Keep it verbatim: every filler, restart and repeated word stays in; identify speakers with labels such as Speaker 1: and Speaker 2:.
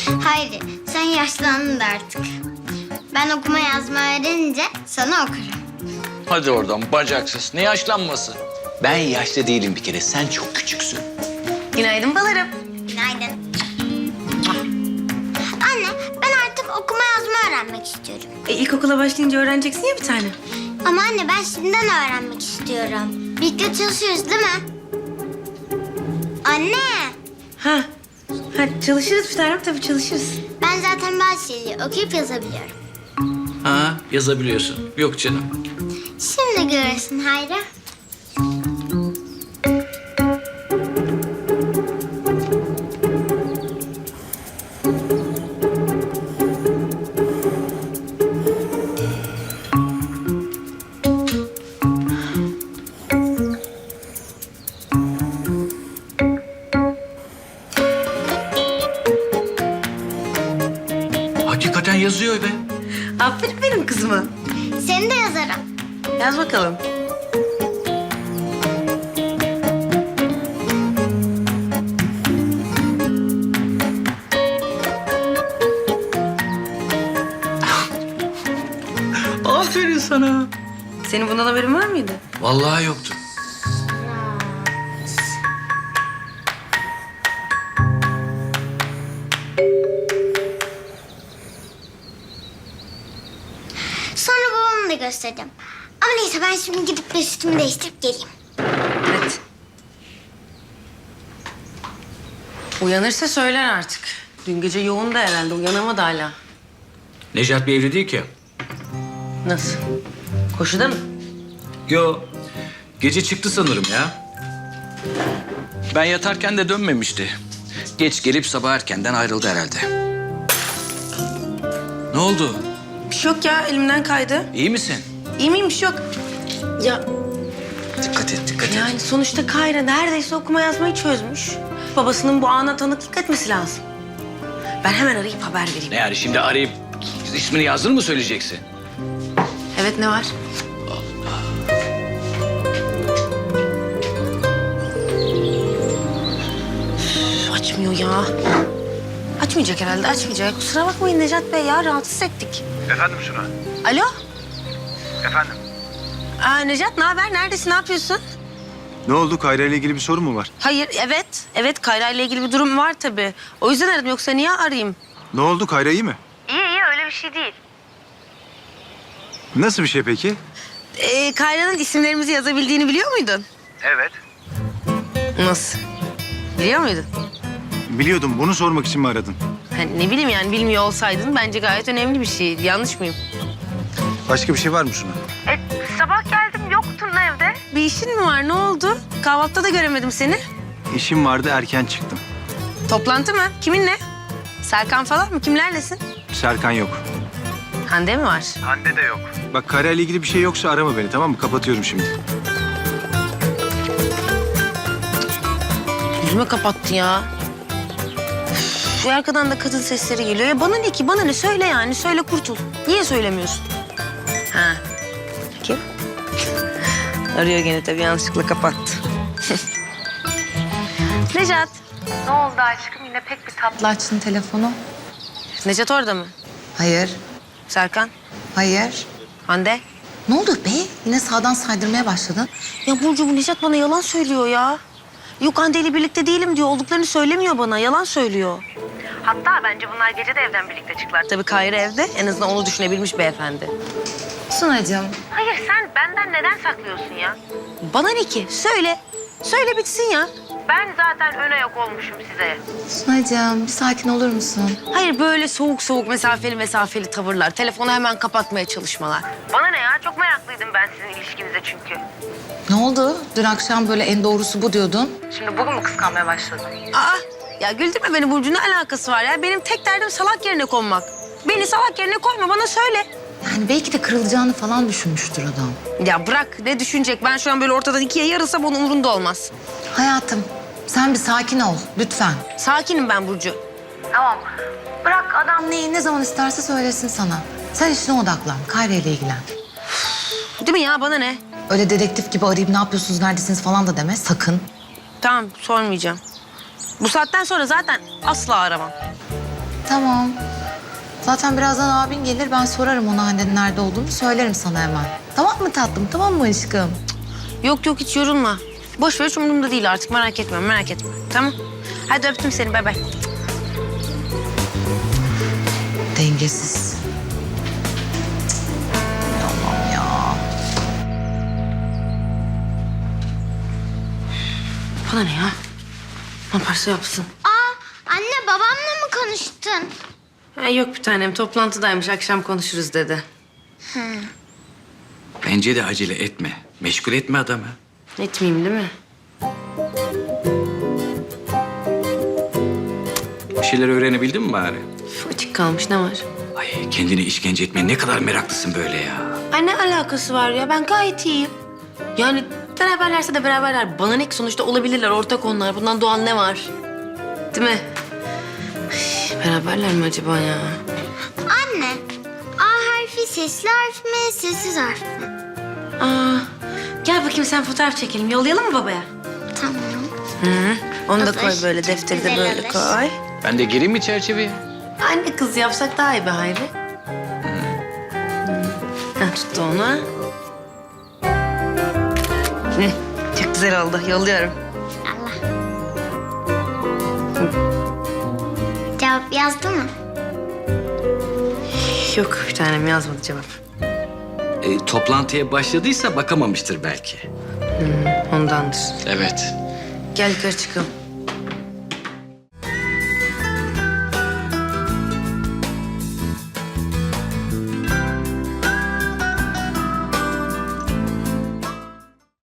Speaker 1: Hayır, sen yaşlandın da artık. Ben okuma yazma öğrenince sana okurum.
Speaker 2: Hadi oradan bacaksız. Ne yaşlanması? Ben yaşlı değilim bir kere. Sen çok küçüksün.
Speaker 3: Günaydın balarım.
Speaker 1: Günaydın. Anne, ben artık okuma yazma öğrenmek istiyorum.
Speaker 3: E, ilkokula başlayınca öğreneceksin ya bir tane.
Speaker 1: Ama anne ben şimdiden öğrenmek istiyorum. Birlikte çalışıyoruz değil mi? Anne,
Speaker 3: Ha. Ha çalışırız bir tanem tabii çalışırız.
Speaker 1: ben zaten bazı şeyleri okuyup yazabiliyorum.
Speaker 2: Ha, yazabiliyorsun. Yok canım.
Speaker 1: Şimdi görürsün Hayri.
Speaker 2: Hakikaten yazıyor be.
Speaker 3: Aferin benim kızıma.
Speaker 1: Seni de yazarım.
Speaker 3: Yaz bakalım.
Speaker 2: Aferin sana.
Speaker 3: Senin bundan haberin var mıydı?
Speaker 2: Vallahi yoktu.
Speaker 1: Sonra babamı da göstereceğim. Ama neyse ben şimdi gidip de üstümü değiştirip geleyim.
Speaker 3: Evet. Uyanırsa söyler artık. Dün gece yoğun da herhalde uyanamadı hala.
Speaker 2: Necat bir evli değil ki.
Speaker 3: Nasıl? Koşuda mı?
Speaker 2: Yo. Gece çıktı sanırım ya. Ben yatarken de dönmemişti. Geç gelip sabah erkenden ayrıldı herhalde. Ne oldu?
Speaker 3: Bir şey yok ya elimden kaydı.
Speaker 2: İyi misin?
Speaker 3: İyi miyim bir şey yok. Ya
Speaker 2: Dikkat et, dikkat et.
Speaker 3: yani sonuçta Kayra neredeyse okuma yazmayı çözmüş. Babasının bu ana tanıklık etmesi lazım. Ben hemen arayıp haber vereyim.
Speaker 2: Ne yani şimdi arayıp ismini yazdın mı söyleyeceksin?
Speaker 3: Evet ne var? Üf, açmıyor ya. Açmayacak herhalde açmayacak. Kusura bakmayın Necat Bey ya rahatsız ettik.
Speaker 4: Efendim Suna.
Speaker 3: Alo?
Speaker 4: Efendim.
Speaker 3: Aa, Necat ne haber? Neredesin? Ne yapıyorsun?
Speaker 4: Ne oldu? Kayra ile ilgili bir sorun mu var?
Speaker 3: Hayır evet. Evet Kayra ile ilgili bir durum var tabii. O yüzden aradım yoksa niye arayayım?
Speaker 4: Ne oldu? Kayra iyi mi?
Speaker 3: İyi iyi öyle bir şey değil.
Speaker 4: Nasıl bir şey peki?
Speaker 3: Ee, Kayra'nın isimlerimizi yazabildiğini biliyor muydun?
Speaker 4: Evet.
Speaker 3: Nasıl? Biliyor muydun?
Speaker 4: Biliyordum. Bunu sormak için mi aradın?
Speaker 3: Ha, ne bileyim yani bilmiyor olsaydın bence gayet önemli bir şey. Yanlış mıyım?
Speaker 4: Başka bir şey var mı Suna?
Speaker 3: E, sabah geldim yoktun evde. Bir işin mi var ne oldu? Kahvaltıda da göremedim seni.
Speaker 4: İşim vardı, erken çıktım.
Speaker 3: Toplantı mı? Kiminle? Serkan falan mı? Kimlerlesin?
Speaker 4: Serkan yok.
Speaker 3: Hande mi var?
Speaker 4: Hande de yok. Bak Kayra ile ilgili bir şey yoksa arama beni, tamam mı? Kapatıyorum şimdi.
Speaker 3: Yüzüme kapattı ya. Üf, şu arkadan da kadın sesleri geliyor. Ya bana ne ki? Bana ne? Söyle yani. Söyle kurtul. Niye söylemiyorsun? Ha. Kim? Arıyor gene tabii. Yanlışlıkla kapattı. Necat.
Speaker 5: Ne oldu aşkım? Yine pek bir tatlı açtın telefonu.
Speaker 3: Necat orada mı?
Speaker 5: Hayır,
Speaker 3: Serkan.
Speaker 5: hayır.
Speaker 3: Hande.
Speaker 5: Ne oldu be? Yine sağdan saydırmaya başladın.
Speaker 3: Ya Burcu bu Necat bana yalan söylüyor ya. Yok Hande ile birlikte değilim diyor. Olduklarını söylemiyor bana. Yalan söylüyor. Hatta bence bunlar gece de evden birlikte çıktılar. Tabii Kayra evde. En azından onu düşünebilmiş beyefendi.
Speaker 5: Sunacığım,
Speaker 3: Hayır sen benden neden saklıyorsun ya? Bana ne ki? Söyle. Söyle bitsin ya. Ben zaten ön ayak olmuşum size.
Speaker 5: Sunacığım bir sakin olur musun?
Speaker 3: Hayır böyle soğuk soğuk mesafeli mesafeli tavırlar. Telefonu hemen kapatmaya çalışmalar. Bana ne ya? Çok meraklıydım ben sizin ilişkinize çünkü.
Speaker 5: Ne oldu? Dün akşam böyle en doğrusu bu diyordun.
Speaker 3: Şimdi bugün mü kıskanmaya başladın? Aa ya güldürme beni Burcu ne alakası var ya? Benim tek derdim salak yerine konmak. Beni salak yerine koyma bana söyle.
Speaker 5: Yani belki de kırılacağını falan düşünmüştür adam.
Speaker 3: Ya bırak ne düşünecek? Ben şu an böyle ortadan ikiye yarılsam onun umurunda olmaz.
Speaker 5: Hayatım, sen bir sakin ol lütfen.
Speaker 3: Sakinim ben Burcu.
Speaker 5: Tamam. Bırak adam neyi ne zaman isterse söylesin sana. Sen işine odaklan, Kayra ile ilgilen.
Speaker 3: Değil mi ya bana ne?
Speaker 5: Öyle dedektif gibi arayıp ne yapıyorsunuz, neredesiniz falan da deme sakın.
Speaker 3: Tamam sormayacağım. Bu saatten sonra zaten asla aramam.
Speaker 5: Tamam. Zaten birazdan abin gelir. Ben sorarım ona annenin nerede olduğunu. Söylerim sana hemen. Tamam mı tatlım? Tamam mı aşkım?
Speaker 3: Yok yok hiç yorulma. Boş ver hiç umurumda değil artık merak etme merak etme. Tamam. Hadi öptüm seni bay bay.
Speaker 5: Dengesiz. Cık. Allah'ım ya.
Speaker 3: Bana ne ya? Ne yaparsa yapsın.
Speaker 1: Aa, anne babamla mı konuştun?
Speaker 3: Ha, yok bir tanem toplantıdaymış akşam konuşuruz dedi.
Speaker 2: Bence de acele etme. Meşgul etme adamı.
Speaker 3: Etmeyeyim değil mi?
Speaker 2: Bir şeyler öğrenebildin mi bari?
Speaker 3: Üf, açık kalmış ne var?
Speaker 2: Ay kendini işkence etmeye ne kadar meraklısın böyle ya.
Speaker 3: Ay ne alakası var ya ben gayet iyiyim. Yani beraberlerse de beraberler. Bana ne ki sonuçta olabilirler ortak onlar. Bundan doğan ne var? Değil mi? Ay, beraberler mi acaba ya?
Speaker 1: Anne, A harfi sesli harf mi, sessiz harf mi?
Speaker 3: Aa, gel bakayım sen fotoğraf çekelim. Yollayalım mı babaya?
Speaker 1: Tamam.
Speaker 3: Hı, onu da
Speaker 1: Olur.
Speaker 3: koy böyle defteri de
Speaker 1: Güzel
Speaker 3: böyle
Speaker 1: olur.
Speaker 3: koy.
Speaker 2: Ben de gireyim mi çerçeveye?
Speaker 3: Anne kız yapsak daha iyi be Hayri. Ha, tuttu onu. Hı, çok güzel oldu. Yolluyorum.
Speaker 1: Allah. Cevap yazdı mı?
Speaker 3: Yok bir tanem yazmadı cevap.
Speaker 2: E, toplantıya başladıysa bakamamıştır belki.
Speaker 3: Ondandır.
Speaker 2: Evet.
Speaker 3: Gel yukarı çıkalım.